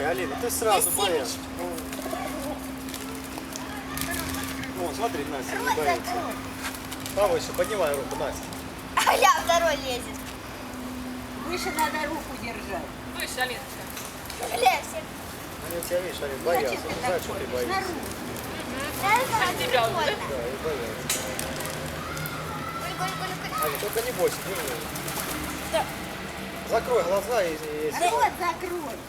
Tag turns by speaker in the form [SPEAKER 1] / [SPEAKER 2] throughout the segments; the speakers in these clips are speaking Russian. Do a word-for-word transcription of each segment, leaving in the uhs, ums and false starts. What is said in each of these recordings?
[SPEAKER 1] Алина, ты сразу боишься. Вон, смотри, Настя не боится. Повыше, поднимай руку, Настя.
[SPEAKER 2] А я второй лезет.
[SPEAKER 3] Выше надо руку держать.
[SPEAKER 4] Выше, Алина.
[SPEAKER 2] Бля, все.
[SPEAKER 1] Они у тебя, видишь, они боятся. Знаешь, что ты боишься.
[SPEAKER 2] Раз,
[SPEAKER 4] тебя
[SPEAKER 2] два,
[SPEAKER 4] уже,
[SPEAKER 2] три,
[SPEAKER 4] да?
[SPEAKER 1] Да, и боятся.
[SPEAKER 2] Голь, голь, голь, голь.
[SPEAKER 1] Аня, только не бойся, держи.
[SPEAKER 2] Да.
[SPEAKER 1] Закрой глаза и... и-
[SPEAKER 3] Рот закрой.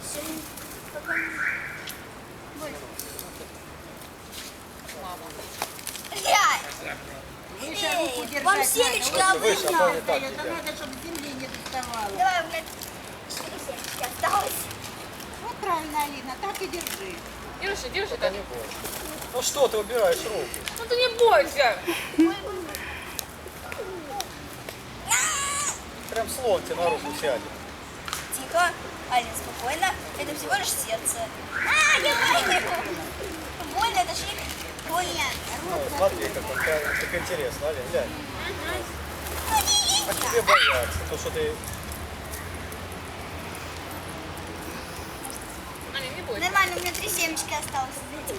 [SPEAKER 2] Бля.
[SPEAKER 3] Выше руку держать
[SPEAKER 2] Вам
[SPEAKER 3] надо.
[SPEAKER 2] семечко
[SPEAKER 3] Вот
[SPEAKER 1] выше,
[SPEAKER 3] сюда
[SPEAKER 1] а то не так
[SPEAKER 3] дает,
[SPEAKER 1] тебя.
[SPEAKER 3] а надо, чтобы земли не доставало.
[SPEAKER 2] Давай, у меня четыре семечки осталось.
[SPEAKER 3] Вот правильно, Алина, так и держи.
[SPEAKER 4] Держи, держи
[SPEAKER 1] Только
[SPEAKER 4] так.
[SPEAKER 1] не бойся. Ну что ты убираешь руки?
[SPEAKER 4] Ну ты не бойся.
[SPEAKER 1] Прям слон тебе на руку сядет.
[SPEAKER 2] Тихо. Алина, спокойно. Это всего лишь сердце. А, я больно. Больно, это шик. Больно.
[SPEAKER 1] Ну, смотри, как, он, как, как интересно, Алин, глянь. А тебе боятся, то что ты...
[SPEAKER 4] Алина, не бойся.
[SPEAKER 2] Нормально, у меня три семечки осталось.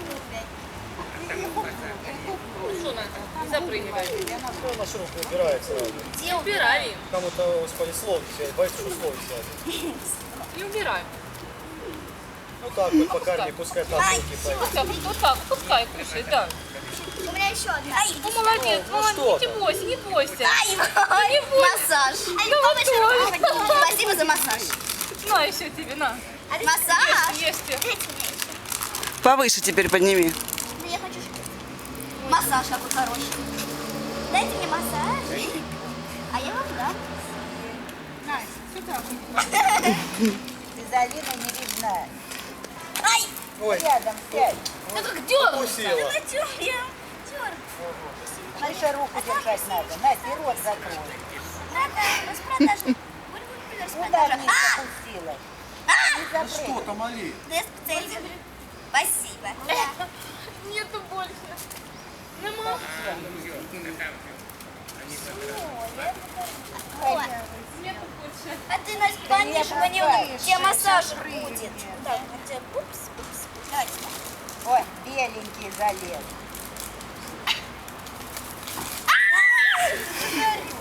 [SPEAKER 4] Ну что надо? Не запрыгивай.
[SPEAKER 1] Ну, нашу руку убирает сразу.
[SPEAKER 2] Где
[SPEAKER 4] Убирай.
[SPEAKER 1] Кому-то, господи, слон сядет, боится, что слон сядет.
[SPEAKER 4] Не убирай.
[SPEAKER 1] Ну так вот, пока не пускай там руки пойдут.
[SPEAKER 4] Вот так, вот так, пускай кушай, да.
[SPEAKER 2] У меня еще одна. Ай,
[SPEAKER 4] Ну молодец,
[SPEAKER 1] Ну,
[SPEAKER 4] молодец,
[SPEAKER 1] что
[SPEAKER 4] не
[SPEAKER 1] там?
[SPEAKER 4] бойся, не бойся.
[SPEAKER 2] ай,
[SPEAKER 4] не бойся.
[SPEAKER 2] массаж.
[SPEAKER 4] Ну, вот тоже.
[SPEAKER 2] Спасибо за массаж.
[SPEAKER 4] На еще тебе, на.
[SPEAKER 2] Массаж?
[SPEAKER 4] Ешьте.
[SPEAKER 5] Повыше теперь подними.
[SPEAKER 2] Да я хочу массаж какой хороший. Дайте мне массаж. А я вам дам.
[SPEAKER 3] Настя, сюда. Ты за Алиной не видна.
[SPEAKER 2] Ай!
[SPEAKER 1] Ой,
[SPEAKER 3] Рядом сядь.
[SPEAKER 4] Да как дернуться.
[SPEAKER 1] укусила.
[SPEAKER 2] Натер, я тер.
[SPEAKER 3] Выше руку держать надо. Настя, и рот закрой.
[SPEAKER 2] Надо распродажа. Будь-будь распродажа.
[SPEAKER 3] Ударница
[SPEAKER 2] А!
[SPEAKER 3] пустила.
[SPEAKER 2] А!
[SPEAKER 3] Не запрыгай.
[SPEAKER 1] там, Али?
[SPEAKER 2] Да я специально. Спасибо.
[SPEAKER 4] Нету больше. Нема.
[SPEAKER 2] Ой.
[SPEAKER 4] Нету больше.
[SPEAKER 2] А ты, Настя, помнишь, мне
[SPEAKER 3] опускаешь,
[SPEAKER 2] тебе массаж
[SPEAKER 3] сейчас
[SPEAKER 2] будет.
[SPEAKER 3] прыгнет.
[SPEAKER 2] Да, у тебя пупс, пупс. Давайте.
[SPEAKER 3] Ой, беленький залез.
[SPEAKER 2] Говорю.